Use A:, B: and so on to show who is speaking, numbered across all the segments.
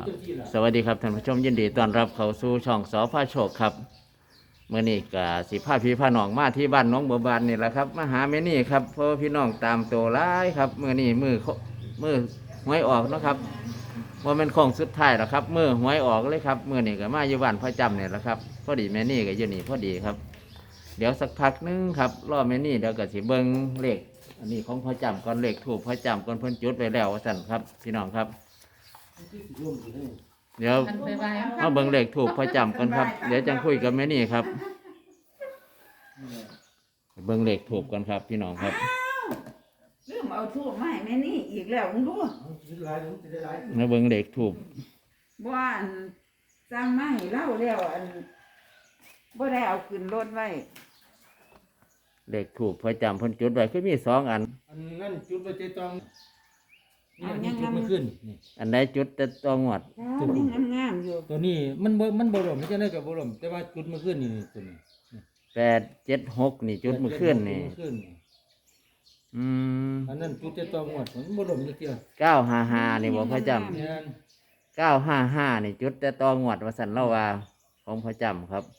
A: สวัสดีครับท่านผู้ชมยินดีต้อนรับเข้าสู่ช่องสพาโชคครับเมื่อนี้ก็สิพาพี่พาน้องมาที่บ้านน้องบัวบานนี่แหละครับมาหาแม่นี่ครับเพราะพี่น้องตามตัวร้ายครับเมื่อนี้มือหวยออกเนาะครับว่าเป็นของสุดท้ายแล้วครับมือหวยออกเลยครับเมื่อนี้ก็มาอยู่บ้านพระจำเนี่ยแหละครับพอดีแม่นี่ก็อยู่นี่พอดีครับเดี๋ยวสักพักนึงครับรอแม่นี่เดี๋ยวก็สิเบิ้งเลขอันนี้ของพระจำก่อนเลขถูกพระจำก่อนเพิ่นจุดไว้แล้วว่าสั่นครับพี่น้องครับเดี๋ยวเอาเบิ่งเลขถูกพระจำกันครับเดี๋ยวจังคุยกับแม่นี่ครับเบิ่งเลขถูกกันครับพี่น้องครับ
B: ลืมเอาทูบมาให้แม่นี่อีกแล้วมึงดู
A: มาเบิ่งเลขถูก
B: บ่อันสร้างมาให้เล่าแล้วอันบ่ได้เอาขึ้นรถไว้
A: เลขถูกพระจำเพิ่นจุดไว้คือมี2 อัน
C: นั่นจุดไปเจตองนี่จุดไม่ขึ้นนี่
A: อันใดจุดแต่ตัวงวด
B: ยังงามๆอยู่
C: ตัวนี้มันบ่ล่มไม่ใช่ได้กับบ่ล่มแต่ว่าจุดไม่ขึ้นนี่ตัวนี้
A: 876นี่จุดเมื่อคืนนี่
C: อันนั้นจุดเจตองหมดมันบ่ล่มจักเที่ย
A: 955นี่บ่พระจำ955นี่จุดแต่ตัวงวดว่าซั่นเล่าว่าของพระจำครับ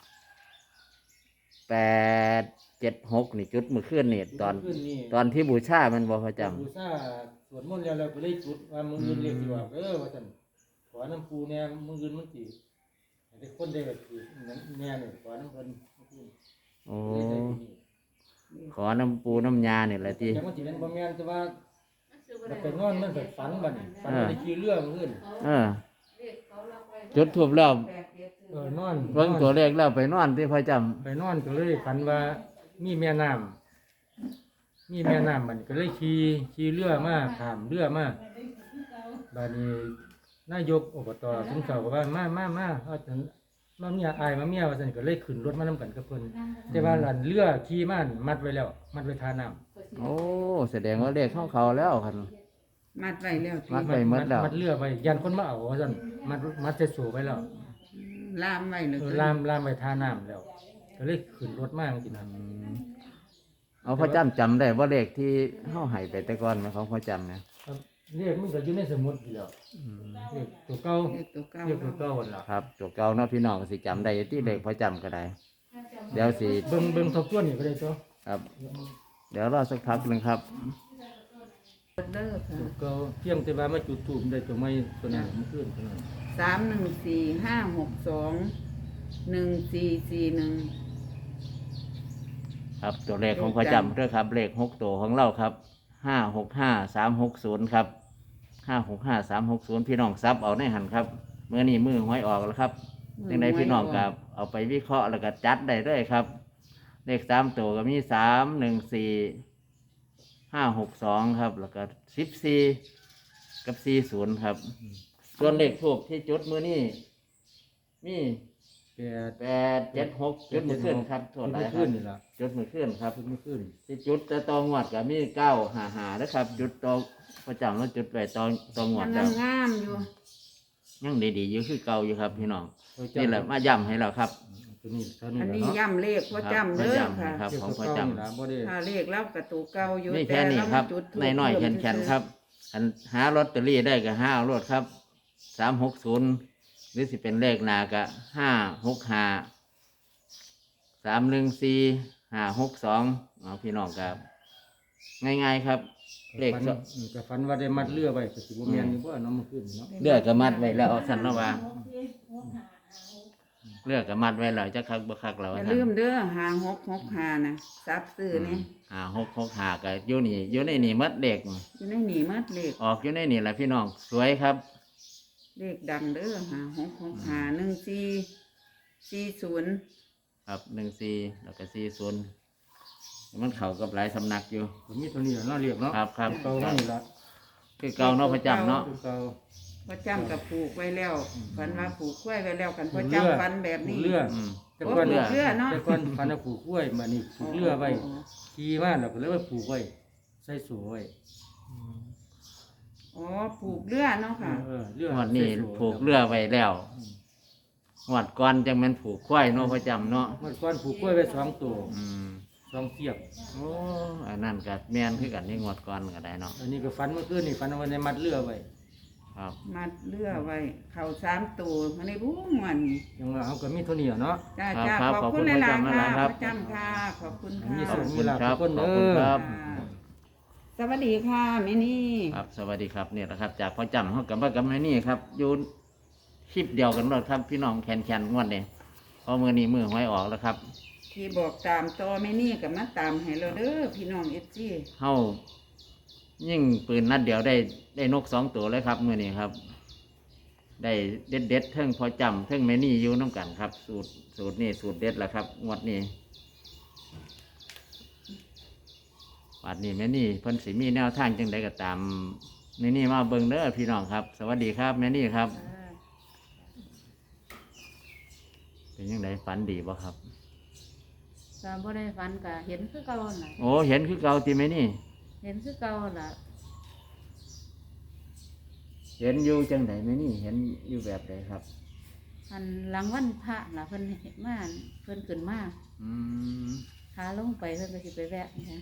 A: 876นี่จุดเมื่อคืนนี่ตอนที่บูชามันบ่พระจำ
C: บูชาสวดมนต์แล้วเราก็เลยจุดว่ามึงอื่นเรียกสิว่าว่าซั่นขอน้ำปูแน่มึงอื่นมันสิให้คนได้แบบสิแน่นี่ขอน้ำเพิ่น
A: โอ้ขอน้ำปูน้ำยานี่แหละที่
C: แต่มันสิเป็นบ่แม่นแต่ว่าไปนอนมันก็ฝันบัดฝันได้ขี่เรือมื้ออื่น
A: จุดทูบแล้ว
C: นอน
A: เบิ่งตัวเลขแล้วไปนอนที่พระจำ
C: ไปนอนก็เลยฝันว่ามีแม่น้ำมันก็เลยขี่เรือมาข้ามเรือมาบัดนี้นายกอบตสมเสาก็ว่ามาเอาจังมาเมียอายมาเมียว่าซั่นก็เลยขึ้นรถมานำกันกับเพิ่นแต่ว่าหลันเรือขี่มามัดไว้แล้วมัดไว้ท่าน้ำ
A: โอ้แสดงว่าเลขของเขาแล้วคั่น
B: มัดไว้แล้ว
A: มัดไว้หมดแล้ว
C: มัดเรือไว้ยันคนมาเอาว่าซั่นมัดใส่โซ่ไว้แล้ว
B: ล่ามไว้เลย
C: ล่ามไว้ท่าน้ำแล้วก็เลยขึ้นรถมาจังซี่
A: เอาพระจำจำได้ว่าเลขที่เฮาให้ไปแต่ก่อนมั้ยของพระจำเนี่ย
C: เลขมันก็อยู่ในสมุดอยู่แล้วเลขตัวเก่าเลขตัวเก่าล่ะ
A: ครับตัวเก่าเนาะพี่น้องสิจำได้ที่เลขพระจำก็ได้เดี๋ยวสิ
C: เบิ่งทบทวนนี่ก็ได้ตัว
A: ครับเดี๋ยวรอสักพักนึงครับ
C: ตัวเก่าเพียงแต่ว่ามาจุดธูปได้ตัวใหม่ตัวนั้นมันขึ้นตัวนั้น
B: 31456214441
A: ครับตัวเลขของพระจำด้วยครับเลข6ตัวของเราครับ565360ครับ565360พี่น้องซับเอาในหันครับเมื่อนี้มือหวยออกแล้วครับจังไดพี่น้องกับเอาไปวิเคราะห์แล้วก็จัดได้ด้วยครับเลข3ตัวก็มี314562ครับแล้วก็14กับ40ครับส่วนเลขทูปที่จุดมือนี้มี876จุดมือขึ้นครับโทษหลายครับจุดมือขึ้นครับ
C: มือขึ้น
A: ที่จุดแต่ตองวดกับมี955นะครับจุดตองประจำแล้วจุดไปตองวดแล้ว
B: งามอยู่
A: ยังดีๆอยู่คือเก่าอยู่ครับพี่น้องนี่แหละมาย้ำให้เราครับ
B: อันนี้ย้ำเลขพระจำเด้อค่ะ
A: ครับของพระจำ
B: ถ้าเลขแล้วกระตูเก่าอยู่
A: นี่แค่นี้ครับน้อยๆแข็งๆครับหาลอตเตอรี่ได้ก็5เอารถครับ360หรือสิเป็นเลขหน้าก็565 314 562พี่น้องครับง่ายๆครับเลข
C: ก็ฝันว่าได้มัดเรือไว้ก็สิบ่แม่นอยู่บ่เนาะมันขึ้นเนาะ
A: เรือก็มัดไว้แล้วสั่นเนาะว่าเรือก็มัดไว้แล้วจักคักบ่คักแล้ว
B: อย่าลืมเด้อ5665นะซับซื้อนี่
A: 5665ก็อยู่ในนี่มัดเลข
B: อยู่ในนี่มัดเลข
A: ออกอยู่ในนี่แหละพี่น้องสวยครับ
B: เลขดังเด้อ56651440
A: ครับ14แล้วก็40มันเข้ากับหลายสำนักอยู่
C: มีตัวนี้เนาะเรียกเนาะ
A: ครับ
C: เก่านี่ล่ะ
A: คือเก่าเนาะพระจำเนาะ
B: พระจำกับผูกไว้แล้วฝันว่าผูกกล้วยไว้แล้วกันพระจำฝันแบบนี้
C: แต่ก่อนเนาะแต่ก่อนฝันว่าผูกกล้วยมานี่ผูกเรือไว้ขี่มาแล้วก็เลยว่าผูกไว้ใส่โซ่ไว้
B: อ๋อผูกเรือเนาะค่ะ
A: งวดนี้ผูกเรือไว้แล้วงวดก่อนจังแม่นผูกควายเนาะพระจำเนาะ
C: งวดก่อนผูกกล้วยไว้2ตัว2เสียบ
A: โอ้อันนั้นก็แม่นคือกันนี่งวดก่อนก็ได้เนาะ
C: อันนี้ก็ฝันเมื่อคืนนี่ฝันว่าในมัดเรือไว้
A: ครับ
B: มัดเรือไว้เข่า3ตัวมาในบุ้งวันนี้
C: ยังว่าเอาก็มีเท่านี้อะเนาะ
B: จ้า
A: ครับ
B: จ้า
A: ครับ
B: ขอบ
A: ขอบคุ
B: คุณ
A: ณ
B: หลาย
A: พระ
B: ๆ
A: จำ
B: ค่ะ
A: ครับ
B: ประจำค่ะขอบคุณค่ะ
C: มี
A: ข
C: สุ
A: อบ
C: ข
A: คุณครับ
C: มีลาภทุกคน
A: ขอบคุณ
C: เด้อ
A: ครับ
B: ค่ะสวัสดีค่ะแม่นี่
A: ครับสวัสดีครับเนี่ยแหละครับจากพ่อจำเขากับว่ากับแม่นี่ครับอยู่คลิปเดียวกันหมดครับพี่น้องแคนงวดเนี่ยเพอมือนี้มือหวยออกแล้วครับ
B: ที่บอกตามต่อแม่นี่กับมาตามให้เราเด้อพี่น้องเอฟซี
A: เฮายิ่งปืนนัดเดียวได้นก2 ตัวเลยครับมือนี้ครับ ได้เด็ดเทิงพอจำเทิงแม่นี่อยู่น้ำกันครับ สูตรนี่สูตรเด็ดแหละครับงวดนี้วันนี้แม่นี่เพิ่นสิมีแนวทางจังใดก็ตามแม่นี่มาเบิ่งเด้อพี่น้องครับ สวัสดีครับแม่นี่ครับ เป็นยังไงฝันดีบ่ครับ
D: ก็บ่ได้ฝันก็เห็นคือเก่าน่ะ
A: โอ้เห็นคือเก่าติแม่นี่
D: เห็นคือเก่าล่ะ
A: เห็นอยู่จังใดแม่นี่เห็นอยู่แบบใดครับ
D: อันหลังวันพระล่ะเพิ่นเห็นมาเพิ่นขึ้นมา
A: อืม
D: ขาลงไปเพิ่นก็สิไปแวะนะ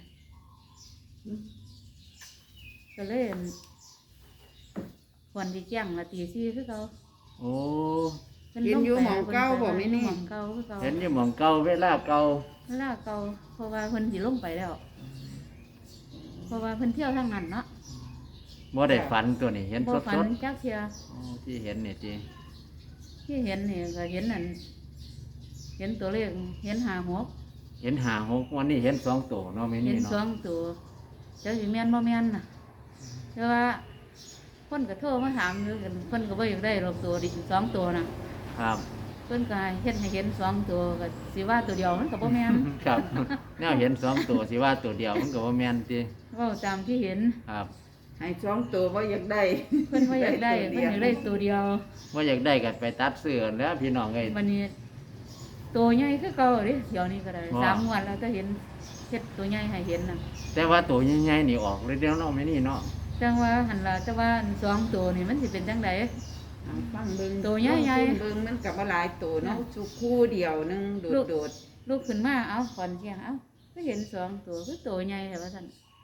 D: ก็เลยอั่นควรที่แจ้งละตี4คือเก่า
A: โอ้
D: เพิ่นลงไปหม่องเก่าคือเก่า
A: เห็นอยู่หม่องเก่าเวลาเก่า
D: เวลาเก่าเพราะว่าเพิ่นสิลงไปแล้ว เพราะว่าเพิ่นเที่ยวทางนั้นเนาะ
A: บ่ได้ฝันตัวนี้เห็น
D: บ่
A: ส
D: ฝัน
A: ด
D: จักเที่ย
A: ๆโอ้ที่เห็นนี่จี
D: ที่เห็นนี่ก็เห็นนั่นเห็นตัวเลขเห็น
A: เห็น5 6วันนี้เห็น2 ตัวเนาะแม่
D: เห็
A: นี่
D: น
A: เนาะ
D: 2ตัวเจ้าสิแม่นบ่แม่นน่ะแต่ว่าคนก็โทรมาถามอยู่กันเพิ่นก็บ่อยากได้หรอกตัวดิ2ตัวน่ะ
A: ครับ
D: เพิ่นก็เฮ็ดให้เห็น2ตัวก็สิว่าตัวเดียวมันก็บ่แม่น
A: ครับแนวเห็น2 ตัวสิว่าตัวเดียวมันก็บ่แม่นติ
D: เว้าตามที่เห็น
A: ครับ
B: ให้2ตัวว่าอยากได้
D: เพิ่นบ่อยากได้เพิ่นอยากได้ตัวเดียว
A: ว่าอยากได้ก็ไปตัดเสื้อแล้วพี่น้องเอ้ย
D: วันนี้ตัวใหญ่คือเก่าเด้เดี๋ยวนี้ก็ได้
A: ว่า
D: 3งวดแล้วก็เห็นเฮ็ดตัวใหญ่ให้เห็นน่ะ
A: แต่ว่าตัวใหญ่ๆนี่ออกเลยเดียวเนาะแม่นี่เนาะ
D: จังว่าหั่นล่ะแต่ว่าอัน2ตัวนี่มันสิเป็นจังได
B: เอาฟังเบิ่ง
D: ตัวใหญ่ๆ
B: ลงทุนเบิ่งมันกับว่าหลายตัวเนาะสุคู่เดียวหนึงโดด
D: ลูกขึ้นมาเอ้าขอนเที่ยงเอ้าก็เห็น2ตัวคือตัวใหญ่แต่ว่าซั่น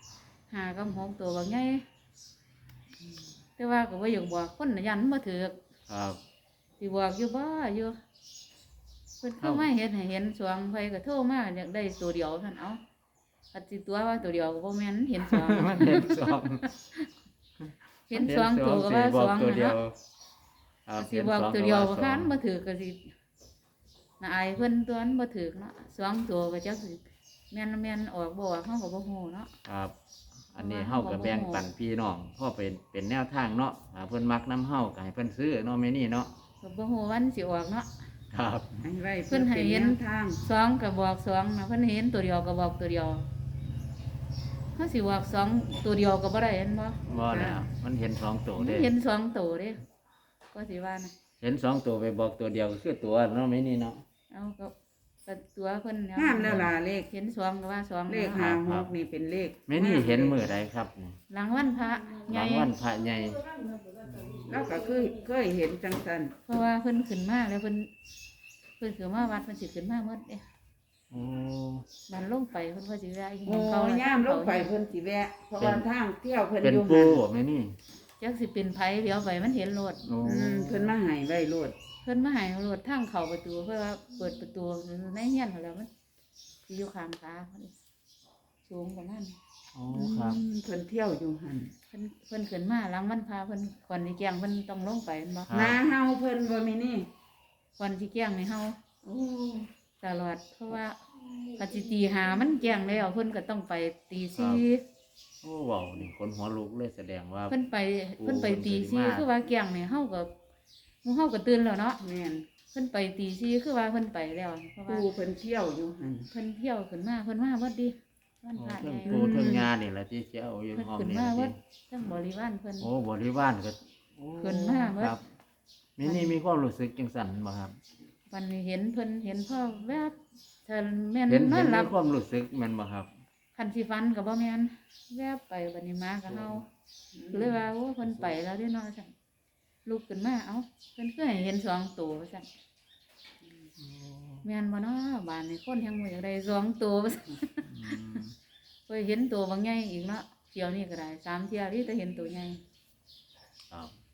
D: 5กับ6ตัวบางใหญ่แต่ว่าก็บ่อยากบอกคนน่ะยันบ่ถูก
A: ครับ
D: สิบอกอยู่บ่อยู่เพิ่นเข้ามาเฮ็ดให้เห็นสวงไผก็โทรมาอยากได้ตัวเดียวซั่นเอ้าอัดสิตัวว่าตัวเดียวก็บ่แม่นเห็นสวง
A: มันเห็นสอง
D: เห็นสวงตัวก็ว่า
A: บ
D: ส
A: อก
D: วง
A: ตัว
D: น่ะ
A: เดียว
D: เนาะ
A: ครับ
D: สิบอกตัวเดียวบ่คัน
A: บ่
D: บ่ถือก็สิน่าอายเพิ่นตัวนั้นบ่ถือเนาะสวงตัวก็จักสิแม่นออกบ่ออกเฮาก็บ่ฮู้เนาะ
A: ครับ อันนี้เฮาก็แบ่งปันพี่น้องเพราะเป็นแนวทางเนาะหาเพิ่นมักน้ำเฮาก็ให้เพิ่นซื้อเนาะแม่นี่เนาะ
D: ก็บ่ฮู้วันสิออกเนาะ
A: ครับ
B: ๆให้ไว้
D: เพิ่นให้เห็น
B: ป็แวทาง
D: สองก็บอกสองนะเพิ่นเห็นตัวเดียวก็บอกตัวเดียวเฮาสิบอกสองตัวเดียวก็บ่ได้เห็นบ่
A: บ่แล้วมันเห็น2 ตัว
D: มัน
A: เด้
D: เห็นสองตัวเด้ก็สิว่านะ
A: เห็น2 ตัวไปบอกตัวเดียวก็คือตัวเนาะแม่นี่เนาะ
D: เอาก็ตัวเพิ่น
B: งามแล้วล่ะเลข
D: เห็นสองก็ว่าสอง
B: เลข
D: นะ
B: 56นี่เป็นเลข
A: แม่นี่เห็นมื้อใดครับนี่
D: หลังวันพระให
A: หลั
D: ญ่
A: งวันพระใหญ่
B: แล้วก็คือเคยเห็นจังซั่น
D: เพราะว่าเพิ่นขึ้นมาแล้วเพิ่นขึ้นมาวัดเพิ่นสิขึ้นมาหมดเด้
A: โอ้
D: บันลงไปเพิ่นก็สิแวะอีห
B: โอ้
D: ยังเขาน่ะ
B: ย่ามลงไปเพิ่นสิแวะเพราะว่าทางเที่ยวเพิ่น
A: เป็น
B: อยู่
A: ปู
B: หั่น
A: บ่แม่นี่
D: จักสิเป็นไผเดี๋ยวไปมันเห็นรถ
A: โอ้
B: เพิ่นมาให้ไว้โลด
D: เพิ่นมาให้รถทางเข้าประตูเพื่อว่าเปิดประตูในเฮียนเขาแล้วมันสิอยู่ข้างขาเพิ่นสูงประมาณ
A: โอ้ครับ
B: เพิ่นเที่ยวอยู่หั่น
D: เพิ่นขึ้นมาหลังวันพาเพิ่นก่อนสิแกงเพิ่นต้องลงไปแม่นบ่
A: ครับ
B: นาเฮาเพิ่นบ่มีนี่
D: ก่อนสิแกงนี่เฮา
B: โอ้
D: ตลอดเพราะว่าปฏิตีหามันแกงแล้วเพิ่นก็ต้องไปตีสี่
A: โอ้เว้านี่คนหัวลุกเลยแสดงว่า
D: เพิ่นไปตี
A: เพิ่
D: สี่
A: นขึ้นมา
D: คือว่าแกงนี่เฮาก็หมู่เฮาก็ตื่นแล้วเนาะ
B: แม่น
D: เพิ่นไปตีสี่คือว่าเพิ่นไปแล้วเพราะว่า
B: ปูเพิ่นเที่ยวอยู่หั่น
D: เพิ่นเที่ยวขึ้นมาเพิ่นมาเบิดดิวัน
A: โอ้
D: พระ
A: เทิ
D: ให
A: ง
D: ญ่
A: ปูเทิงงานนี่แหละที่เจ้าอยู่
D: เพิ่น
A: ห้อง
D: ขึ้น
A: นี่
D: มา
A: ล่ะ
D: เบิ
A: สิ
D: ดทั้งบริวารเพิ่น
A: โอ้บริวารก็โอ้
D: ขึ้นมาเบิด
A: ครับมินี่มีความรู้สึกจังสั่นบ่ครับ
D: วันนี้เห็นเพิ่นเห็นพ่อแวบถ้าแม่น
A: เห็น
D: นอนหลั
A: มี
D: บ
A: ความรู้สึกแม่นบ่ครับ
D: คันสิฟันก็บ่แม่นแวบไปบัดนี้มาก็เฮาเลยว่าโอ้เพิ่นไปแล้วเด้เนาะซั่นลุกขึ้นมาเอ้าเพิ่นคือให้เห็นสองตัวว่าซั่นแม่นบ่เนาะบ้านนี้คนยังบ่อยากได้สองตัวว่าซั่น
A: อืม
D: เคยเห็นตัวบางใหญ่อีกเนาะเที่ยวนี้ก็ได้3เที่ยวนี่แต่เห็นตัวใหญ่
A: ครับ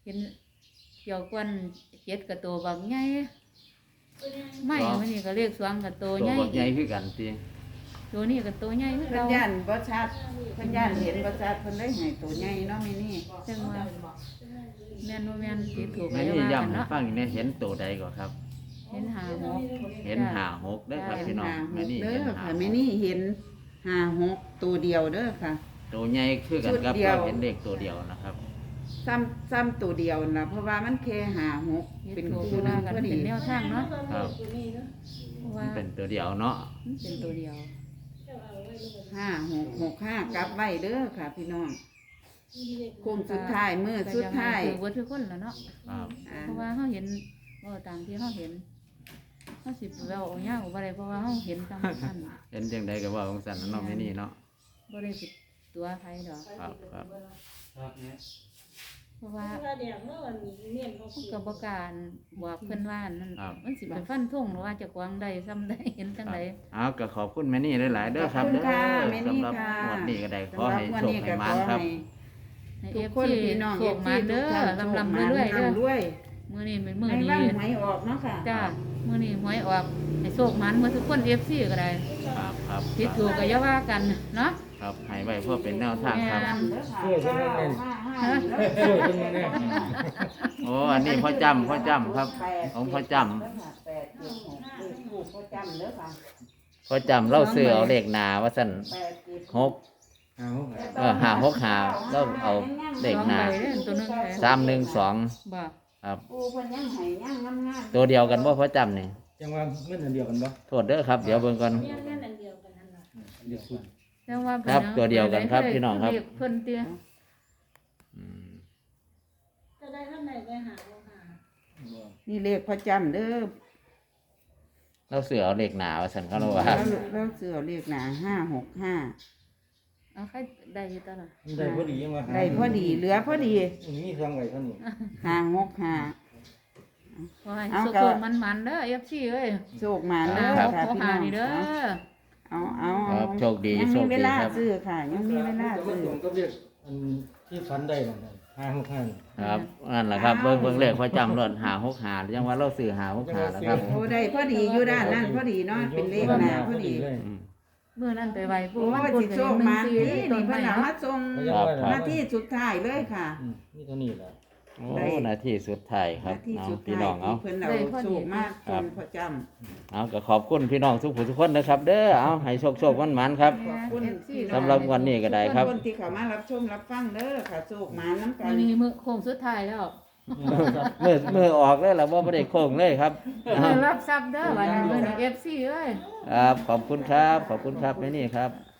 D: เห็นเกี่ยวกวนเจ็ดกับตัวบางใหญ่ไม่มันนี่ก็เลขสองกับตัว
A: ตัว
D: ใหญ่
A: บักใหญ่คือกันติ
D: ตัวนี้กับตัวใหญ่คือ
B: เพิ่น
D: เรา
B: ย่านบ่ชัดเพิ่นย่านเห็นบ่ชัดเพิ่นเลยให้ตัวใหญ่เนาะแม่นี่
D: จังว่าแม่นบ่แม่นสิถูก
A: แม่
D: ไหม
A: นี่
D: ว่า
A: ย้ำ
D: กัน
A: ให้
D: เนาะ
A: ฟังอีกแน่เห็นตัวใดก่อนครับ
D: เห็นหาหก
A: เห็น56เด้อครับพี่น้องแม่นี่
B: เด้
A: เห็น
B: อค่ะแม่นี่เห็น56ตัวเดียวเด้อค่ะ
A: ตัวใหญ่คือกันครับ
B: ชุดเดียว
A: เราเห็นเลขตัวเดียวนะครับ
B: ซ้ำตัวเดียวนะเพราะว่ามันแค่56
D: เป็
B: เป็น น
D: ถูก
B: คู่หนึ
D: ว่าง กัน
B: พอดี
D: เป็นแนวทางเนาะ
A: ครับ
D: เพราะ
A: มั
D: ว่าน
A: เป็นตัวเดียวเนาะ
D: มันเป็นตัวเดียว
B: 5665กลับไว้เด้อค่ะ พี่น้องโค้งสุดท้ายมื้อสุดท้าย
D: คือว่าทุกคนแล้วเนาะ
A: ครับ
B: อ่า
D: เพราะว่าเขาเห็นว่าตามที่เขาเห็นเขาสิเว้าเอายาวบ่ได้เพราะว่าเขาเห็นตามนั้น
A: เห็นจังใดก็ว่าของสันเนาะแม่นี่เนาะ
D: บ่ได้ผิดตัวใครดอก
A: ครับครับ
D: เพราะว่าเขาก็บ่กล้ารบอกเพิ่นว่านั่นมันสิไปฟันธงหรือว่าจะกวางใดซ้ำใดเห็นจังได
A: เอาก็ขอบคุณแม่นี่หลายๆเด้อครับ
B: ขอบคุณ
A: เด้อ
B: ค่ะแม่นี่
A: สำหรับ
B: ค่ะ
A: งวดนี้ก็ได้ขอ
B: สำหรับ
A: ให้
B: วัน
A: โชค
B: นี้
A: ให้
B: ก็
A: มา
B: ข
A: น
B: อ
A: ครับ
B: ให้
D: ให้
B: ทุกคน
D: FC
B: พี่น้อง
D: โชคมาเด้อลำๆเรื่อยๆเด้อ
B: รวย
D: มื้อนี้เป็นมื้อ
B: ใน
D: นี้
B: วันหวยออกเนาะค่ะ
D: จ้ามื้อนี้หวยออกให้โชคมันเมื่อทุกคน FC ก็ได้
A: ครับครับ
D: ผิดถูกก็อย่าว่ากันเนาะ
A: ครับให้ไว้เพื่อเป็นแนวทางครับ
C: ช่วยเพิ่นแน่นช่วยเพิ่นแน่น
A: โอ้อันนี้พ่อจำครับของพ่อจ
B: 8 7 6พ่อจำเด้อค่ะ
A: ำพ่อจำเล่าเสือเอาเลขหนาว่าสั่น
B: 8 7
A: หก
C: เอา
A: หาหกหาเราเอาเลขหนา
D: สองใบเด้อตัวหนึงแหละ
A: 312
D: บ่
A: ครับ
B: ปูเพิ่นยังให้ยังงามๆ
A: ตัวเดียวกันว่าพ่อจำนี่
C: จังว่าเงินอันเดียวกันบ่
A: โทษเด้อครับเดี๋ยวเบิ่งก่อน
C: เดียวสุด
D: แต่ว่า
A: ครับตัวเดียวกันครับพี่น้องครับ
D: เรียกเพิ่นเตี้ย
A: อืม
C: บ่
B: นี่เลขพ่อจำเด้อ
A: เราเสือเอาเลขหนาว่าสั่นเขาเราว่า
B: แล้วเสือเลขหนา565
D: เอาใครได้อยู่ตลอด
C: มันได้พอดียังว่า
B: ได้พอดีเหลือพอดี
C: มันมี2ไว้เท่านี้
B: 565
D: ขอให้
B: เอา
D: สุ
B: ก็
D: ขๆมันๆเด้อ FC เอ้ย
B: โชคมาเด้อ
D: ขอ
B: ค่ะ
D: ขอ
B: พี่
D: หา
B: น้อง
D: นี่เด้อ
B: เอา
A: ครับโชคดี
B: ยัง
A: โช
B: มี
A: ค
B: เว
A: ดี
B: ลา
A: ครับ
B: ซื้อค่ะ ยังมีเวลา
C: ก็
B: ซื้อ
C: ตรงกับเรียกอันที่ฝันได้นั่นน่ะ565
A: ครับนั่นแหละครับเบิ่งเลขพ่อจำรถ565ยังว่าเราซื้อ565แล้วครับ
B: โอ้ได้พอดีอยู่ด้านนั้นพอดีเนาะเป็นเลขหนาพอดี
A: อืม
D: มื้อนั้นไปไหว้ปู่
B: โอ้
D: มัน
B: ย
D: ปุ่
B: สิ
D: นก็
B: โช
D: ยัง
B: ค
D: 1
B: มา
D: 4
B: นี่
D: นี่ต้
B: นี่
D: น
B: เพิ่
D: ไม้
B: นเอา
D: เนาะ
B: มาส่ง
A: ครับครับ
B: หน้าที่สุดท้ายเลยค่ะ
C: นี่เท่านี้แหละ
A: โอ้นาทีสุดท้ายครับ
B: หน้าที่
A: เอา
B: สุด
A: พี่
B: ท้าย
A: น้องเอา
B: ที่เพิ่นเอาโชคมาส่งประจำ
A: เอาก็ขอบคุณพี่น้องทุกผู้ทุกคนนะครับ เด้อเอาให้โชคโชคมันมันๆครับ
B: ขอบคุณ
A: สำหรับวันนี้ก็ได้ครับ
B: ทุกคนที่เข้ามารับชมรับฟังเด้อค่ะโชคมาน้ำกั
D: มื้
B: น
D: อนี้มื้อโค้งสุดท้ายแล้ว
A: มือออกเลยแล้วว่าไม่ได้โค้งเลยครับ
D: รับทรัพย์เด้อวันนี้มื้อนี้ FC เอ้ย
A: ครับขอบคุณครับขอบคุณครับแม่นี่ครับ
B: ค